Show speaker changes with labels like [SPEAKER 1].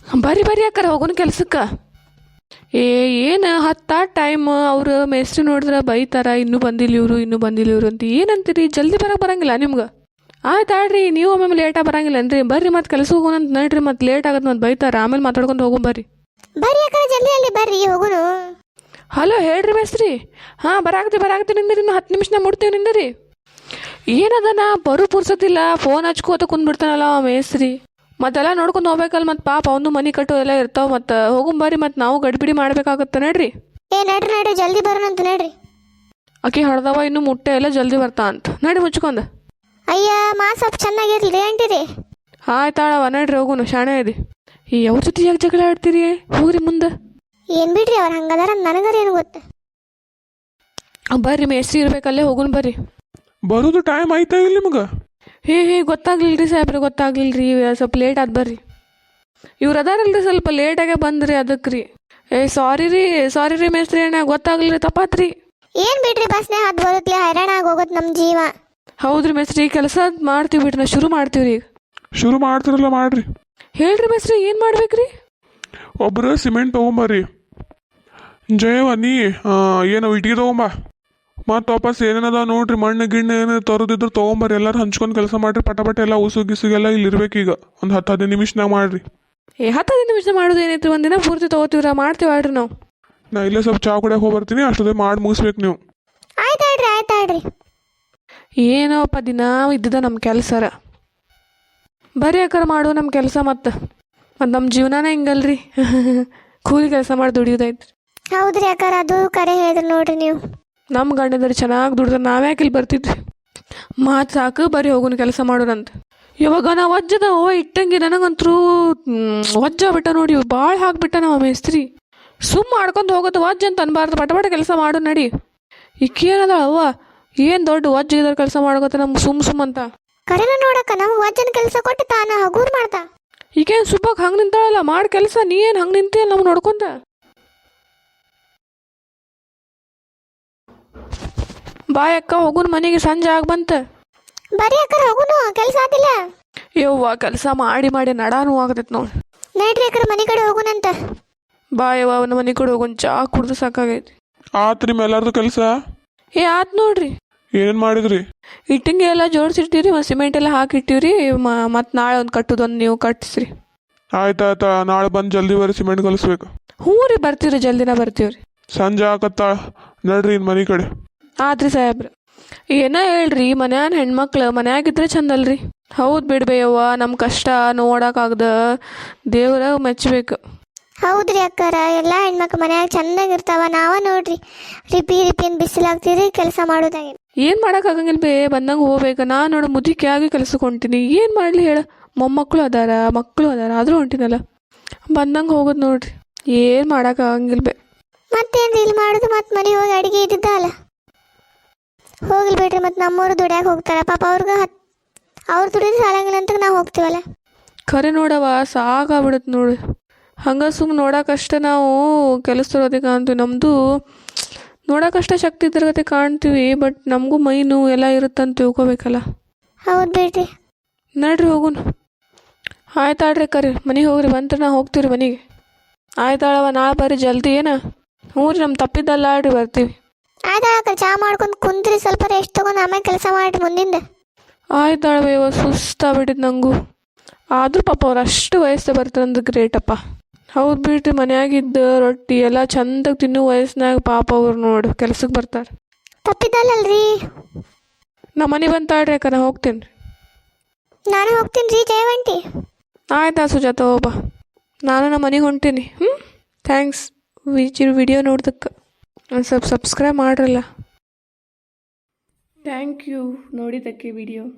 [SPEAKER 1] ಬರ್ರಿ ಬರ್ರಿ ಅಕ್ಕಾರ ಹೋಗೋಣ ಕೆಲ್ಸಕ್ಕೆ. ಏನು ಹತ್ತ ಟೈಮ್ ಅವ್ರು ಮೇಸ್ತ್ರಿ ನೋಡಿದ್ರೆ ಬೈತಾರ, ಇನ್ನೂ ಬಂದಿಲ್ಲ ಇವರು ಅಂತ. ಏನಂತೀರಿ, ಜಲ್ದಿ ಬರಂಗಿಲ್ಲ ನಿಮ್ಗೆ? ಆಯ್ತು ಆಡ್ರಿ, ನೀವು ಒಮ್ಮೆ ಲೇಟಾಗಿ ಬರಂಗಿಲ್ಲನ್ರಿ. ಬರ್ರಿ ಮತ್ತೆ ಕೆಲಸ ಹೋಗೋಣ ಅಂತ ನಡ್ರಿ, ಮತ್ತೆ ಲೇಟ್ ಆಗತ್ತೆ ಮತ್ತೆ ಬೈತಾರ. ಆಮೇಲೆ ಮಾತಾಡ್ಕೊಂಡು ಹೋಗೋಣ ಬರ್ರಿ.
[SPEAKER 2] ಬರ್ರಿ ಅಕ್ಕ ಜಲ್ದಿ ಅಲ್ಲಿ ಬರ್ರಿ ಹೋಗೋಣ.
[SPEAKER 1] ಹಲೋ ಹೇಳ್ರಿ ಮೇಸ್ತ್ರಿ. ಹಾಂ ಬರಾಕತ್ತಿ ನಿಂದ್ರಿ, ಇನ್ನು 10 ನಿಮಿಷನಾಗ ಮುಡ್ತೀವಿ ನಿಂದ್ರಿ. ಏನದನ ಬರು ಪುರ್ಸತಿಲ್ಲ, ಫೋನ್ ಹಚ್ಕೋತ ಕುಂದ್ಬಿಡ್ತಾನಲ್ಲ ಮೇಸ್ತ್ರಿ. ಮತ್ತೆಲ್ಲ ನೋಡ್ಕೊಂಡು ಹೋಗ್ಬೇಕಲ್ಲ, ಮತ್ತೆ ಪಾಪ ಅವನು ಮನೆ ಕಟ್ಟು ಎಲ್ಲ ಇರ್ತಾವೆ. ಮತ್ತು ಹೋಗುಂಬರ್ರಿ, ಮತ್ತು ನಾವು ಗಡಿಬಿಡಿ ಮಾಡ್ಬೇಕಾಗತ್ತೆ ನಡ್ರಿ.
[SPEAKER 2] ನಡ್ರಿ ಜಲ್ದಿ ಬರೋಣಂತ ನಡ್ರಿ.
[SPEAKER 1] ಆಕಿ ಹಡ್ದವ ಇನ್ನು ಮುಟ್ಟೆ ಎಲ್ಲ ಜಲ್ದಿ ಬರ್ತಾ ಅಂತ. ನಡಿ ಮುಚ್ಕೊಂಡ.
[SPEAKER 2] ಅಯ್ಯ ಸ್ವಲ್ಪ ಚೆನ್ನಾಗಿರ್ಲಿ ಅಂಟಿರಿ.
[SPEAKER 1] ಆಯ್ತಾಳವ ನಡ್ರಿ ಹೋಗುನು, ಶಾಣೆ ಇದೆ. ಅವ್ರ ಜೊತೆ ಯಾಕೆ ಜಗಳ ಆಡ್ತೀರಿ? ಹೋಗ್ರಿ ಮುಂದೆ.
[SPEAKER 2] ಏನ್ ಬಿಡ್ರಿ ಅವ್ರು ಹಂಗದಾರ, ನನಗರ ಏನು ಗೊತ್ತ.
[SPEAKER 1] ಬರ್ರಿ ಮೇಸ್ತ್ರಿ ಇರ್ಬೇಕಲ್ಲೇ, ಹೋಗುನ್ ಬರ್ರಿ.
[SPEAKER 3] ಬರೋದು ಟೈಮ್ ಆಯ್ತಾ ಇಲ್ಲ ನಿಮ್ಗೆ?
[SPEAKER 1] ಗೊತ್ತಾಗ್ಲಿಲ್ರಿ ಸಾಹೇಬ್ರಿ, ಗೊತ್ತಾಗ್ಲಿಲ್ರಿ. ಸ್ವಲ್ಪ ಲೇಟ್ ಆದ್ ಬರ್ರಿ. ಇವ್ರು ಅದಾರಲ್ರಿ ಸ್ವಲ್ಪ ಲೇಟಾಗೆ ಬಂದ್ರಿ, ಅದಕ್ಕೆ ರೀ. ಸಾರಿ ರೀ ಮೇಸ್ತ್ರಿ ಅಣ್ಣ, ಗೊತ್ತಾಗ್ಲಿರಿ, ತಪ್ಪಾತ್ರಿ.
[SPEAKER 2] ಏನ್ ಬಿಡ್ರಿ, ಬಸ್ನೇ ಹತ್ತು ಬರುತ್ತಲೆ ಹೈರಾಣ ಆಗೋಗತ್ ನಮ್ಮ ಜೀವ.
[SPEAKER 1] ಹೌದ್ರಿ ಮೇಸ್ತ್ರಿ, ಕೆಲಸ ಮಾಡ್ತೀವಿ ಬಿಡ್ರಿ, ನಾ ಶುರು ಮಾಡ್ತೀವ್ರಿ ಈಗ.
[SPEAKER 3] ಶುರು ಮಾಡ್ತಿರಲ್ಲ ಮಾಡ್ರಿ.
[SPEAKER 1] ಹೇಳ್ರಿ ಮೇಸ್ತ್ರಿ, ಏನು ಮಾಡ್ಬೇಕ್ರಿ?
[SPEAKER 3] ಒಬ್ರು ಸಿಮೆಂಟ್ ತೊಗೊಂಬರ್ರಿ. ಜಯವ ನೀ ಏನು ಇಟ್ಟಿಗೆ ತೊಗೊಂಬ. ಮತ್ತು ವಾಪಸ್ ಏನೇನದ ನೋಡ್ರಿ, ಮಣ್ಣು ಗಿಣ್ಣು ಏನೇನು ತರೋದಿದ್ರು ತೊಗೊಂಬರ್ರಿ. ಎಲ್ಲರೂ ಹಂಚ್ಕೊಂಡು ಕೆಲಸ ಮಾಡ್ರಿ. ಪಟ ಎಲ್ಲ ಉಸುಗಿಸುಗೆಲ್ಲ ಇಲ್ಲಿ ಇರ್ಬೇಕೀಗ. ಒಂದು 10-15 ನಿಮಿಷನಾಗ ಮಾಡ್ರಿ.
[SPEAKER 1] 10-15 ನಿಮಿಷ ಮಾಡೋದು ಏನೈತ್ರಿ? ಒಂದಿನ ಪೂರ್ತಿ ತೊಗೋತೀವ್ರ, ಮಾಡ್ತೀವಿ ಆಡ್ರಿ ನಾವು.
[SPEAKER 3] ನಾ ಇಲ್ಲೇ ಸ್ವಲ್ಪ ಚಾ ಕುಡಿಯೋಕೆ ಹೋಗ್ಬರ್ತೀನಿ, ಅಷ್ಟೊತ್ತೇ ಮಾಡಿ ಮುಗಿಸ್ಬೇಕು ನೀವು.
[SPEAKER 2] ಆಯ್ತಾಡ್ರಿ.
[SPEAKER 1] ಏನೋಪ್ಪ ದಿನ ಇದ್ದಿದ್ದ ನಮ್ಮ ಕೆಲಸರ. ಬರೀ ಯಾಕಾರ ಮಾಡು ನಮ್ಮ ಕೆಲಸ. ಮತ್ತು ನಮ್ಮ ಜೀವನನೇ ಹಿಂಗಲ್ರಿ. ಕೂಲಿ ಕೆಲಸ ಮಾಡಿ ದುಡಿಯೋದೈತ್ರಿ.
[SPEAKER 2] ಹೌದ್ರಿ ಅಕ್ಕಾರ, ಅದು ಕರೆ ಹೇಳಿದ್ರಿ ನೋಡ್ರಿ ನೀವು.
[SPEAKER 1] ನಮ್ಮ ಗಂಡಂದ್ರೆ ಚೆನ್ನಾಗಿ ದುಡ್ದ್ರೆ ನಾವ್ಯಾಕೆ ಇಲ್ಲಿ ಬರ್ತಿದ್ವಿ? ಮಾತು ಸಾಕು, ಬರೀ ಹೋಗೋಣ ಕೆಲಸ ಮಾಡೋಣಂತ. ಇವಾಗ ನಾವು ವಜ್ಜದ ಇಟ್ಟಂಗೆ ನನಗಂತರೂ ವಜ್ಜ ಬಿಟ್ಟ ನೋಡಿ, ಭಾಳ ಹಾಕ್ಬಿಟ್ಟ ನಮ್ಮ ಮೇಸ್ತ್ರಿ. ಸುಮ್ಮ ಮಾಡ್ಕೊಂಡು ಹೋಗೋದು ವಜ್ಜ ಅಂತ ಅನ್ಬಾರ್ದು, ಪಟ ಕೆಲಸ ಮಾಡು ನಡಿ. ಈಕೇನದ ಅವ್ವ, ಏನು ದೊಡ್ಡ ವಜ್ಜ ಇದ್ರ ಕೆಲಸ ಮಾಡ್ಕೋತ ನಮ್ಗೆ ಸುಮ್ ಅಂತ.
[SPEAKER 2] ಕರೆನ ನೋಡಕ್ಕ, ನಮ್ಗೆ ವಜ್ಜನ ಕೆಲಸ ಕೊಟ್ಟು ತಾನ ಹಗೂರ್ ಮಾಡ್ತಾ.
[SPEAKER 1] ಈಗೇನು ಸುಬ್ಬಕ್ಕೆ ಹಂಗೆ ನಿಂತಾಳಲ್ಲ, ಮಾಡಿ ಕೆಲಸ. ನೀ ಏನು ಹಂಗೆ ನಿಂತೀಯಲ್ಲ ನಮ್ಗೆ ನೋಡ್ಕೊಂತ? ಬಾಯ್ ಅಕ್ಕ, ಹೋಗುನ್ ಮನೆಗೆ, ಸಂಜೆ ಬಂತ.
[SPEAKER 2] ಬರೀ ಅಕ್ಕ ಹೋಗುನು, ಕೆಲಸ ಆದಿಲ್ಲ.
[SPEAKER 1] ಯವ್ವ ಕೆಲಸ ಮಾಡಿ ನಡಾನು ಆಗತೈತೆ ನೋಡಿ.
[SPEAKER 2] ನಡ್ರಿ ಅಕ್ಕ ಮನೆ ಕಡೆ ಹೋಗುನಂತ.
[SPEAKER 1] ಬಾಯವ್ವ ಅವನ ಮನೆ ಕಡೆ ಹೋಗೋಣ, ಚಾ ಕುಡ್ದು ಸಾಕಾಗೈತಿ.
[SPEAKER 3] ಆತ್ರಿ ಎಲ್ಲಾರ್ದು ಕೆಲಸ?
[SPEAKER 1] ಆತ್ ನೋಡ್ರಿ.
[SPEAKER 3] ಏನೇನು ಮಾಡಿದ್ರಿ?
[SPEAKER 1] ಇಟ್ಟಿಂಗೆ ಎಲ್ಲ ಜೋಡಿಸಿಟ್ಟಿವ್ರಿ, ಮತ್ತು ಸಿಮೆಂಟ್ ಎಲ್ಲ ಹಾಕಿಟ್ಟಿವ್ರಿ. ಮತ್ತು ನಾಳೆ ಒಂದು ಕಟ್ಟುದೊಂದು ನೀವು ಕಟ್ಟಿಸ್ರಿ.
[SPEAKER 3] ಆಯ್ತಾ, ನಾಳೆ ಬಂದು ಜಲ್ದಿ ಬರ್ರಿ, ಸಿಮೆಂಟ್ ಕಲಿಸ್ಬೇಕು.
[SPEAKER 1] ಹ್ಞೂ ರೀ, ಬರ್ತೀವ್ರಿ, ಜಲ್ದಿನ ಬರ್ತೀವ್ರಿ.
[SPEAKER 3] ಸಂಜೆ ಆಕತ್ತಾ, ನಡ್ರಿ ಇನ್ನು ಮನೆ ಕಡೆ.
[SPEAKER 1] ಆದ್ರಿ ಸಾಹೇಬ್ರ, ಏನೋ ಹೇಳ್ರಿ, ಮನ್ಯಾನ ಹೆಣ್ಮಕ್ಳು ಮನ್ಯಾಗಿದ್ರೆ ಚಂದಲ್ರಿ. ಹೌದು ಬಿಡ್ಬೇಯವ್ವ, ನಮ್ಮ ಕಷ್ಟ ನೋಡೋಕ್ಕಾಗ್ದ ದೇವ್ರ ಮೆಚ್ಚಬೇಕು.
[SPEAKER 2] ಹೌದ್ರಿ ಅಕ್ಕಾರ, ಎಲ್ಲ ಹೆಣ್ಮಕ್ಳು ಮನ್ಯಾಗ ಚೆನ್ನಾಗಿರ್ತಾವ. ನಾವ ನೋಡ್ರಿ ರಿಪಿನ್ ಬಿಸಿಲಾಗ್ತೀರಿ ಕೆಲಸ ಮಾಡೋದಾಗಿ.
[SPEAKER 1] ಏನು ಮಾಡೋಕ್ಕಾಗಂಗಿಲ್ಲ ಬೇ, ಬಂದಂಗೆ ಹೋಗ್ಬೇಕು. ನಾನು ನೋಡು ಮುದುಕಿ ಆಗಿ ಕೆಲ್ಸಕ್ಕೆ ಹೊಂಟೀನಿ. ಏನು ಮಾಡಲಿ ಹೇಳ, ಮೊಮ್ಮಕ್ಕಳು ಅದಾರ, ಮಕ್ಕಳು ಅದಾರ, ಆದರೂ ಹೊಂಟಿನಲ್ಲ. ಬಂದಂಗೆ ಹೋಗೋದು ನೋಡ್ರಿ, ಏನು ಮಾಡೋಕ್ಕಾಗಂಗಿಲ್ಲ ಬೇ.
[SPEAKER 2] ಮತ್ತೇನ್ರಿ ಇಲ್ಲಿ ಮಾಡೋದು? ಮತ್ತೆ ಮನೆ ಹೋಗಿ ಅಡುಗೆ ಇದ್ದಿದ್ದ ಅಲ್ಲ, ಹೋಗ್ಲಿ ಬಿಡ್ರಿ. ಮತ್ತು ನಮ್ಮವ್ರು ದುಡ್ಯಾಕ ಹೋಗ್ತಾರ, ಪಾಪ ಅವ್ರು ದುಡಿದ್ರೆ ಸಾಲಂಗಿಲ್ಲ ಅಂತ ನಾವು ಹೋಗ್ತೀವಲ್ಲ.
[SPEAKER 1] ಖರೆ ನೋಡವ, ಸಾಕಾಗ್ಬಿಡುತ್ತೆ ನೋಡಿ. ಹಂಗೆ ಸುಮ್ಮನೆ ನೋಡೋಕಷ್ಟ ನಾವು ಕೆಲಸದೊಳಗೆ ಕಾಣ್ತೀವಿ. ನಮ್ಮದು ನೋಡೋಕಷ್ಟ ಶಕ್ತಿ ಇದ್ರಗತೆ ಕಾಣ್ತೀವಿ, ಬಟ್ ನಮಗೂ ಮೈನು ಎಲ್ಲ ಇರುತ್ತಂತ ತಿಳ್ಕೊಬೇಕಲ್ಲ.
[SPEAKER 2] ಹೌದು ಬಿಡ್ರಿ.
[SPEAKER 1] ನಡ್ರಿ ಹೋಗುನು. ಆಯ್ತಾಳ್ರಿ ಕರಿ, ಮನೆಗೆ ಹೋಗ್ರಿ. ಬಂದ್ರೆ ನಾ ಹೋಗ್ತೀವಿ ಮನೆಗೆ. ಆಯ್ತಾಳವ, ನಾಳೆ ಬರ್ರಿ ಜಲ್ದಿ. ಏನ? ಹ್ಞೂ ರೀ, ನಮ್ಮ ತಪ್ಪಿದ್ದಲ್ಲ ಆಡ್ರಿ, ಬರ್ತೀವಿ.
[SPEAKER 2] ಆಯ್ತಾಳ, ಚಾ ಮಾಡ್ಕೊಂಡು ಕುಂತ್ರಿ, ಸ್ವಲ್ಪ ರೆಸ್ಟ್ ತೊಗೊಂಡು ಆಮೇಲೆ ಕೆಲಸ ಮಾಡ್ರಿ ಮುಂದಿಂದ.
[SPEAKER 1] ಆಯ್ತಾಳವೇವ, ಸುಸ್ತಾಗ್ಬಿಟ್ಟಿದ್ದು ನನಗೂ. ಆದರೂ ಪಾಪ ಅವ್ರು ಅಷ್ಟು ವಯಸ್ಸು ಬರ್ತಾರಂದ್ರೆ ಗ್ರೇಟಪ್ಪ. ಹೌದು ಬಿಡ್ರಿ, ಮನ್ಯಾಗಿದ್ದ ರೊಟ್ಟಿ ಎಲ್ಲ ಚಂದಾಗಿ ತಿನ್ನೋ ವಯಸ್ಸಿನಾಗ ಪಾಪ ಅವ್ರು ನೋಡು ಕೆಲ್ಸಕ್ಕೆ ಬರ್ತಾರೆ.
[SPEAKER 2] ತಪ್ಪಿದ್ದಲ್ಲಲ್ರಿ.
[SPEAKER 1] ನಮ್ಮ ಮನೆ ಬಂತಾಳ್ರಿ ಅಕ್ಕ, ನಾ ಹೋಗ್ತೀನಿ ರೀ.
[SPEAKER 2] ನಾನು ಹೋಗ್ತೀನಿ ರೀ ಜಯವಂತಿ.
[SPEAKER 1] ಆಯ್ತಾ ಸುಜಾತ, ಹೋಗ್ಬಾ. ನಾನು ನಮ್ಮ ಮನೆಗೆ ಹೊಂಟೀನಿ. ಥ್ಯಾಂಕ್ಸ್ ವಿಡಿಯೋ ನೋಡ್ದಕ್ಕೆ. ಒಂದು ಸ್ವಲ್ಪ ಸಬ್ಸ್ಕ್ರೈಬ್ ಮಾಡ್ರಲ್ಲ. ಥ್ಯಾಂಕ್ ಯು ನೋಡಿದ್ದಕ್ಕೆ ವಿಡಿಯೋ.